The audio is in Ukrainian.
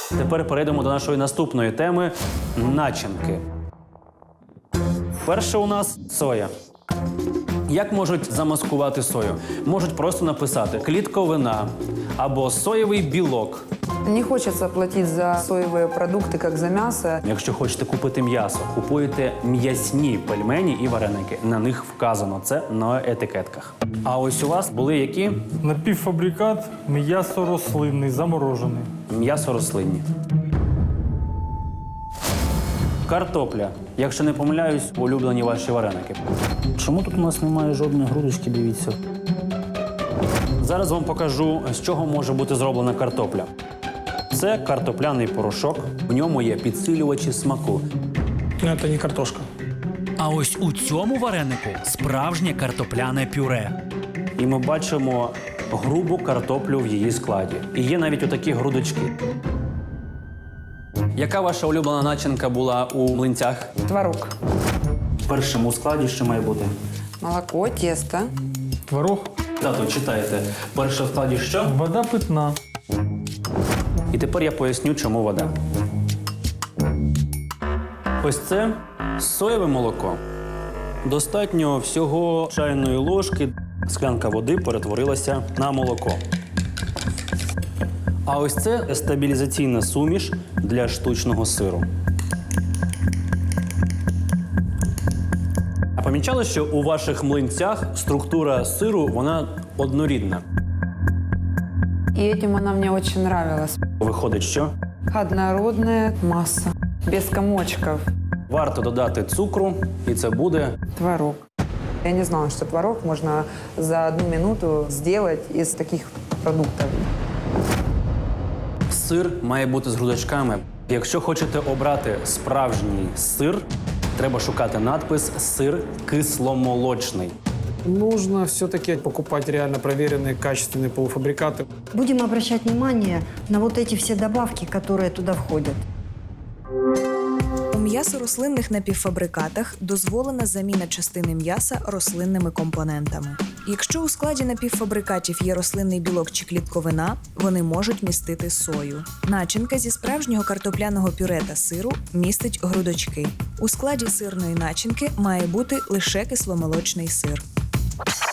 Тепер перейдемо до нашої наступної теми – начинки. Перше у нас – соя. Як можуть замаскувати сою? Можуть просто написати «клітковина» або «соєвий білок». Не хочется платить за соевые продукты, как за мясо. Якщо хочете купити м'ясо, купуєте м'ясні пельмені і вареники. На них вказано це на етикетках. А ось у вас були які? Напівфабрикат, м'ясо рослинний, заморожений. М'ясо рослинні. Картопля. Якщо не помиляюсь, улюблені ваші вареники. Чому тут у нас немає жодної грудочки, дивіться? Зараз вам покажу, з чого може бути зроблена картопля. Це картопляний порошок, в ньому є підсилювачі смаку. Це не картошка. А ось у цьому варенику справжнє картопляне пюре. І ми бачимо грубу картоплю в її складі. І є навіть отакі грудочки. Яка ваша улюблена начинка була у млинцях? Творог. В першому складі що має бути? Молоко, тесто. Творог. Тато, читайте. Перше в складі що? Вода питна. І тепер я поясню, чому вода. Ось це соєве молоко. Достатньо всього чайної ложки. Склянка води перетворилася на молоко. А ось це стабілізаційна суміш для штучного сиру. А помічали, що у ваших млинцях структура сиру, вона однорідна? И этим она мне очень нравилась. Виходить, що? Однородная масса. Без комочков. Варто додати цукру, і це буде Творог. Я не знала, что творог можно за 1 минуту сделать из таких продуктов. сир має бути з грудочками. Якщо хочете обрати справжній сир, треба шукати надпис «сир кисломолочний». Нужно все-таки покупать реально проверенные, качественные полуфабрикаты. Будем обращать внимание на вот эти все добавки, которые туда входят. У м'ясо-рослинних напівфабрикатах дозволена заміна частини м'яса рослинними компонентами. Якщо у складі напівфабрикатів є рослинний білок чи клітковина, вони можуть містити сою. Начинка зі справжнього картопляного пюре та сиру містить грудочки. У складі сирної начинки має бути лише кисломолочний сир.